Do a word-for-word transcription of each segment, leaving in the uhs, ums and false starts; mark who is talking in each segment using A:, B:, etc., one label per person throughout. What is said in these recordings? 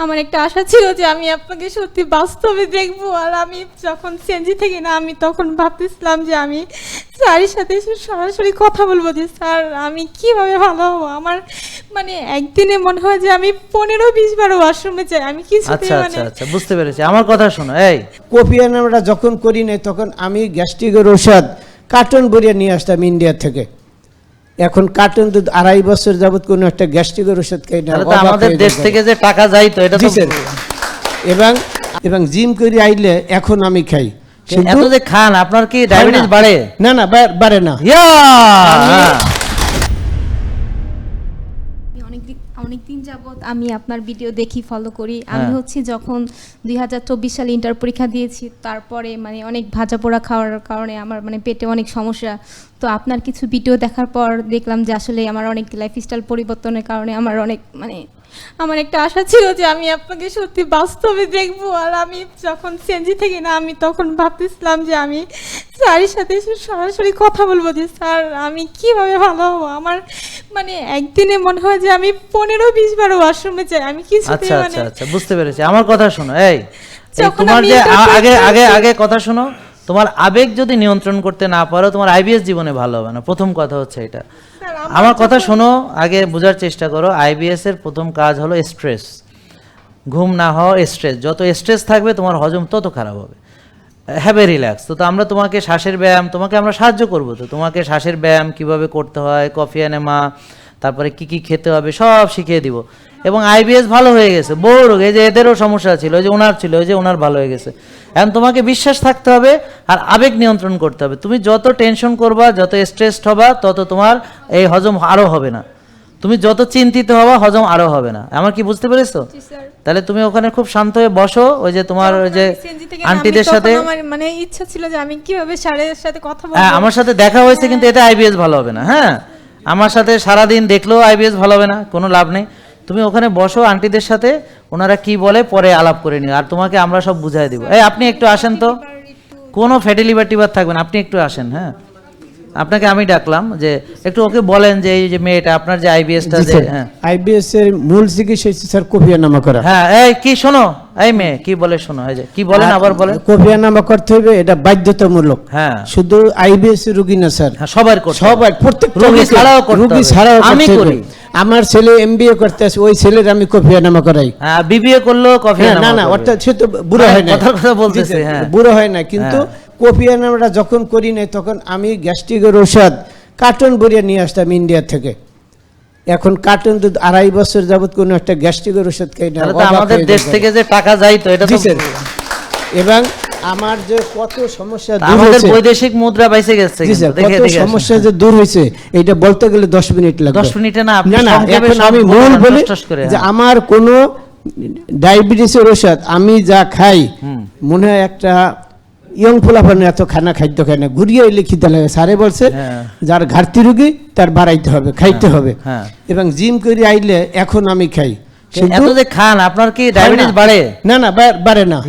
A: আমার একটা আশা ছিল যে আমি আপনাকে সত্যি বাস্তবে দেখবো। আর আমি যখন সিএনজি থেকে না আমি তখন ভাবতেছিলাম যে আমি স্যারের সাথে এসে সরাসরি কথা বলবো যে স্যার আমি কিভাবে ভালো হবো। আমার মানে একদিনে মনে হয় যে আমি পনেরো বিশ বারো ওয়াশরুমে যাই, আমি কিছু
B: আচ্ছা
A: মানে
B: আচ্ছা আচ্ছা বুঝতে পেরেছি। আমার কথা শোনো, এই
C: কফি আমরা যখন করি নাই তখন আমি গ্যাস্ট্রিকের ওষুধ কার্টন ভরিয়ে নিয়ে আসতাম ইন্ডিয়া থেকে। এখন কার্টন তো আড়াই বছর যাবত কোনো একটা গ্যাস্ট্রিকের ওষুধ খাই না।
B: তাহলে তো আমাদের দেশ থেকে যে টাকা যায় তো এটা তো
C: এবং এবং জিম করে আইলে এখন আমি খাই।
B: এত যে খান আপনার কি ডায়াবেটিস বাড়ে?
C: না না বাড়ে না।
B: ইয়া
A: অনেকদিন যাবত আমি আপনার ভিডিও দেখি, ফলো করি। আমি হচ্ছে যখন দুই হাজার চব্বিশ সালে ইন্টার পরীক্ষা দিয়েছি, তারপরে মানে অনেক ভাজা পোড়া খাওয়ার কারণে আমার মানে পেটে অনেক সমস্যা। তো আপনার কিছু ভিডিও দেখার পর দেখলাম যে আসলে আমার অনেক লাইফস্টাইল পরিবর্তনের কারণে আমার অনেক মানে আমার একটা আশা ছিল যে আমি আপনাকে সত্যি বাস্তবে দেখবো। আর আমি যখন সিএনজি থেকে না আমি তখন ভাবতেছিলাম যে আমি স্যারের সাথে এসে সরাসরি কথা বলবো যে স্যার আমি কিভাবে ভালো হবো। আমার মানে একদিনে মনে হয় যে আমি পনেরো বিশ বারো ওয়াশরুমে যাই, আমি কিছু
B: আচ্ছা আচ্ছা আচ্ছা বুঝতে পেরেছি। আমার কথা শোনো, এই তোমার যে আগে আগে আগে কথা শোনো, তোমার আবেগ যদি নিয়ন্ত্রণ করতে না পারো তোমার আইবিএস জীবনে ভালো হবে না। প্রথম কথা হচ্ছে এটা। আমার কথা শোনো, আগে বোঝার চেষ্টা করো। আইবিএস এর প্রথম কাজ হলো স্ট্রেস। ঘুম না হওয়া, স্ট্রেস। যত স্ট্রেস থাকবে তোমার হজম তত খারাপ হবে। Have a relax. তো আমরা তোমাকে শ্বাসের ব্যায়াম তোমাকে আমরা সাহায্য করবো। তো তোমাকে শ্বাসের ব্যায়াম কিভাবে করতে হয়, কফি এনেমা, তারপরে কি কি খেতে হবে সব শিখিয়ে দিব। এবং আইবিএস ভালো হয়ে গেছে, বড় রোগ। এই যে এদেরও সমস্যা ছিল, ওই যে ওনার ছিল, ওই যে ওনার ভালো হয়ে গেছে। এখন তোমাকে বিশ্বাস থাকতে হবে আর আবেগ নিয়ন্ত্রণ করতে হবে। তুমি যত টেনশন করবা, যত স্ট্রেসড হবা, তত তোমার এই হজম আরও হবে না। তুমি যত চিন্তিত হবা হজম আরও হবে না। আমার কি বুঝতে পেরেছো? তাহলে তুমি ওখানে খুব শান্ত হয়ে বসো। ওই যে তোমার ওই যে আন্টিদের সাথে
A: আমার মানে ইচ্ছা ছিল যে আমি কিভাবে স্যারের সাথে কথা বলবো।
B: হ্যাঁ আমার সাথে দেখা হয়েছে, কিন্তু এটা আইবিএস ভালো হবে না। হ্যাঁ আমার সাথে সারাদিন দেখলেও আইবিএস ভালো হবে না, কোনো লাভ নেই। তুমি ওখানে বসো আন্টিদের সাথে, ওনারা কি বলে পরে আলাপ করে নিও। আর তোমাকে আমরা সব বুঝাই দিব। এই আপনি একটু আসেন তো, কোনো ফ্যাটি লিভার টিভার থাকবে না, আপনি একটু আসেন। হ্যাঁ আপনাকে আমি ডাকলাম যে একটু ওকে বলেন যে এই যে মেয়েটা আপনার যে আইবিএসটা যে হ্যাঁ
C: আইবিএস এর মূল চিকিৎসা হচ্ছে স্যার কফিয়ানামা করা।
B: হ্যাঁ এই কি শোনো, এই মেয়ে কি বলে শোনো, এই যে কি বলেন আবার বলেন।
C: কফিয়ানামা করতে হবে, এটা বাধ্যতামূলক।
B: হ্যাঁ
C: শুধু আইবিএস এর রোগী না স্যার,
B: হ্যাঁ সবার করতে হবে।
C: সবার প্রত্যেকটা
B: রোগী ছাড়াও করতে হবে।
C: রোগী ছাড়াও
B: আমি করি।
C: আমার ছেলে এমবিএ করতে আছে, ওই ছেলের আমি কফিয়ানামা করাই।
B: হ্যাঁ বিবিএ করলেও কফিয়ানামা।
C: না না অর্থাৎ সে তো বুড়ো হয় না,
B: কথা কথা বলতেছে। হ্যাঁ
C: বুড়ো হয় না, কিন্তু কফিয়ানামাটা যখন করি নাই তখন আমি গ্যাস্ট্রিকের ওষুধ কার্টন ভরিয়ে নিয়ে আসতাম ইন্ডিয়া থেকে। এখন কার্টন তো আড়াই বছর যাবত কোনো একটা গ্যাস্ট্রিকের ওষুধ খাই না।
B: তাহলে তো আমাদের দেশ থেকে যে টাকা যায় তো এটা তো।
C: এবং আমার যে কত সমস্যা দূর
B: আমাদের
C: হয়েছে,
B: বৈদেশিক মুদ্রা বাইসে গেছে,
C: কত সমস্যা যে দূর হয়েছে এটা বলতে গেলে দশ মিনিট লাগবে।
B: দশ মিনিটে না, আপনি
C: না না
B: সংক্ষেপে
C: এখন আমি মূল বলি যে আমার কোনো ডায়াবেটিসের ওষুধ আমি যা খাই মনে হয় একটা ইয়ং ফোলাফানের এত খানা খাদ্য খায় না, ঘুরিয়ে এলে খিদে লাগে। স্যারে বলছে যার ঘাটতি রোগী তার বাড়াইতে হবে, খাইতে হবে। এবং জিম করে আইলে এখন আমি খাই।
B: এত যে খান আপনার কি ডায়াবেটিস বাড়ে?
C: না না বাড়ে না।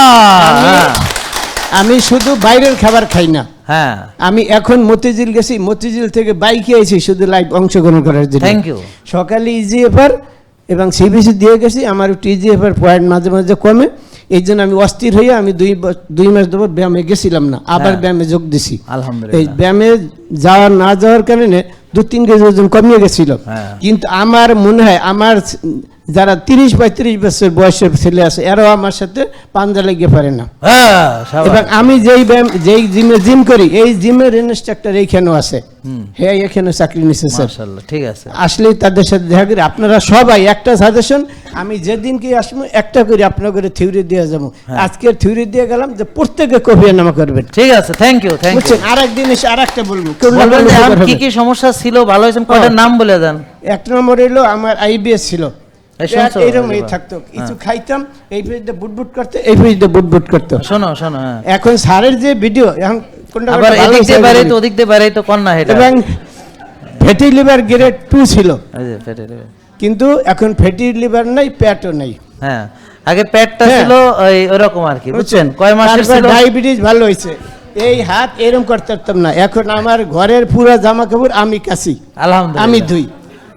C: আমি শুধু বাইরের খাবার খাই না।
B: হ্যাঁ
C: আমি এখন মতিঝিল গেছি, মতিঝিল থেকে বাইকে আইছি শুধু লাইভ অংশগ্রহণ করার জন্য।
B: Thank you.
C: সকালে ইজিএফআর এবং সিবিসি দিয়ে গেছি, আমার একটু ইজিএফআর পয়েন্ট মাঝে মাঝে কমে, এই জন্য আমি অস্থির হয়ে আমি দুই দুই মাস ধরে ব্যায়ামে গেছিলাম না, আবার ব্যায়ামে যোগ দিছি।
B: আলহামদুলিল্লাহ।
C: এই ব্যায়ামে যাওয়ার না যাওয়ার কারণে দু তিন কেজি ওজন কমিয়ে গেছিল। কিন্তু আমার মনে হয় আমার যারা তিরিশ পঁয়ত্রিশ বছর বয়সের ছেলে আছে এরাও আমার সাথে পাঞ্জা লেগে পারে না। এবং আমি যেই ব্যায়াম যেই জিমে জিম করি এই জিমের ইনস্ট্রাক্টর এইখানেও আছে, হ্যাঁ এখানে চাকরি নিচ্ছে স্যার।
B: ঠিক আছে,
C: আসলেই তাদের সাথে দেখা করি। আপনারা সবাই একটা সাজেশন, আমি যেদিন কি আসবো একটা করে আপনার করে থিওরি দিয়ে যাবো। আজকের থিওরি দিয়ে গেলাম যে প্রত্যেকে কফিয়ানামা করবেন।
B: ঠিক আছে, থ্যাংক ইউ থ্যাংক ইউ।
C: আর একদিন এসে আর একটা বলবো
B: কি কি সমস্যা ছিল, ভালো হয়েছে কয়টার নাম বলে দেন।
C: এক নম্বর হলো আমার আইবিএস ছিল, এইরকম এই থাকতো, কিছু খাইতাম এই পেজটা বুটবুট করতে, এই পেজটা বুটবুট করতো।
B: শোনো শোনো
C: এখন স্যারের যে ভিডিও এখন কোনটা
B: আবার এদিক দিয়ে বাইরে তো ওদিক দিয়ে বাইরে তো কোন না এটা।
C: এবং ফ্যাটি লিভার গ্রেড টু ছিল,
B: এই যে ফ্যাটি লিভার,
C: কিন্তু এখন ফ্যাটি লিভার নাই, পেটও নাই।
B: হ্যাঁ আগে পেটটা ছিল ওই ওরকম আর কি, বুঝছেন। কয় মাসের ছিল
C: ডায়াবেটিস ভালো হয়েছে, এই হাত এরকম করতে পারতাম না। এখন আমার ঘরের পুরো জামা কাপড় আমি কাছি,
B: আলহামদুলিল্লাহ,
C: আমি ধুই।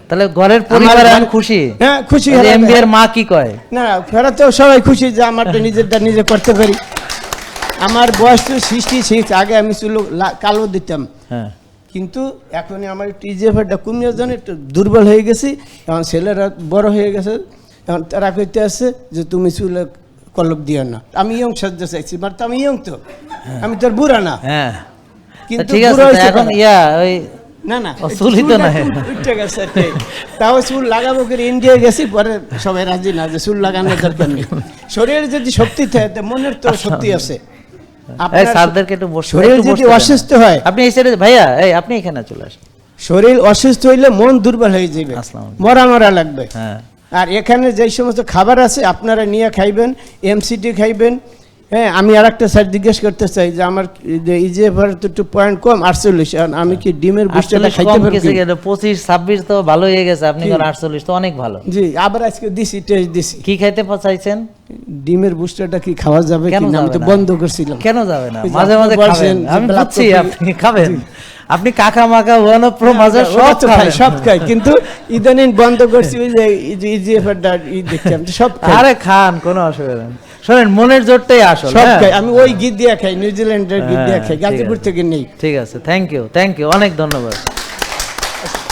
B: তাহলে ঘরের পরিবার এখন খুশি?
C: হ্যাঁ খুশি।
B: এমবি এর মা কি কয়?
C: না ফেরাতেও সবাই খুশি যে আমারটা নিজেরটা নিজে করতে পারি। আমার বয়স তো সৃষ্টি সিক্স, আগে আমি চুল লা- কালো দিতাম,
B: হ্যাঁ
C: কিন্তু এখন আমার টিজিএফটা কমিয়ে জানে একটু দুর্বল হয়ে গেছি। এখন ছেলেরা বড় হয়ে গেছে, এখন তারা কইতে আসছে যে তুমি চুলে কলপ দিও না। আমি ইয়ং সাজতে চাইছি, মানে তো আমি ইয়ং তো, আমি তোর বুড়া না।
B: হ্যাঁ
C: কিন্তু
B: ঠিক আছে,
C: বুড়ো
B: তো
C: হয়েছে
B: এখন
C: তারা।
B: ইয়া ওই
C: না না
B: ও, চুলই তো
C: চুলটা
B: নাই।
C: একটু উঠে গেছে আর কি। তাও চুল লাগাবো করে ইন্ডিয়া গেছি, পরে সবাই রাজি না যে চুল লাগানোর দরকার নেই। শরীরে যদি শক্তি থাকে তো মনের তো শক্তি আছে।
B: এই
C: আপনার
B: স্যারদেরকে একটু বসতে
C: শরীর
B: একটু
C: যদি
B: বসতে দেন।
C: অসুস্থ হয়,
B: আপনি এই সাইডে ভাইয়া, এই আপনি এখানে চলে আসেন।
C: শরীর অসুস্থ হইলে মন দুর্বল হয়ে যাবে,
B: আসসালামু আলাইকুম।
C: মরা মরা লাগবে।
B: হ্যাঁ
C: আর এখানে যেই সমস্ত খাবার আছে আপনারা নিয়ে খাইবেন, এমসিটি খাইবেন। হ্যাঁ আমি আর একটা স্যার জিজ্ঞেস করতে চাই যে আমার ইজিএফআর তো একটু পয়েন্ট কম আটচল্লিশ, আমি কি ডিমের বুস্টারটা
B: আটচল্লিশ
C: খাইতে
B: কম
C: পারি?
B: কিছু গেলে পঁচিশ ছাব্বিশ তো ভালো হয়ে গেছে, আপনি
C: কি?
B: কোন আটচল্লিশ তো অনেক ভালো।
C: জি আবার আজকে দিছি, টেস্ট দিছি।
B: কি খাইতে চাইছেন?
C: ডিমের বুস্টারটা কি খাওয়া যাবে
B: কেন
C: কিনা আমি
B: যাবে
C: তো
B: না?
C: বন্ধ করছিলাম।
B: কেন যাবে না?
C: ওই যে
B: মাঝে
C: আপনি
B: মাঝে
C: বলছেন
B: খাবেন,
C: যে
B: আমি
C: black
B: বুঝছি
C: coffee-
B: আপনি খাবেন। আপনি কাকা মাকা ওয়ান প্রো মাঝে
C: ওরা
B: সব
C: তো খাই,
B: খাবেন।
C: সব খাই, কিন্তু ইদানিং বন্ধ করছি ওই যে ইজিএফআরটা ই দেখলাম তো সব খাই,
B: আরে খান, কোনো অসুবিধা নেই। শোনেন, মনের জোরটাই আসল।
C: সব
B: হ্যাঁ?
C: খাই। আমি ওই গিট দিয়া খাই, নিউজিল্যান্ডের গিট দিয়া
B: হ্যাঁ,
C: খাই,
B: ঠিক
C: গাজীপুর
B: আছে।
C: থেকে নেই।
B: ঠিক আছে, থ্যাংক ইউ থ্যাংক ইউ, অনেক ধন্যবাদ।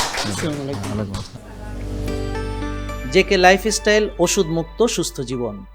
B: জেকে লাইফস্টাইল, ওষুধ মুক্ত সুস্থ জীবন।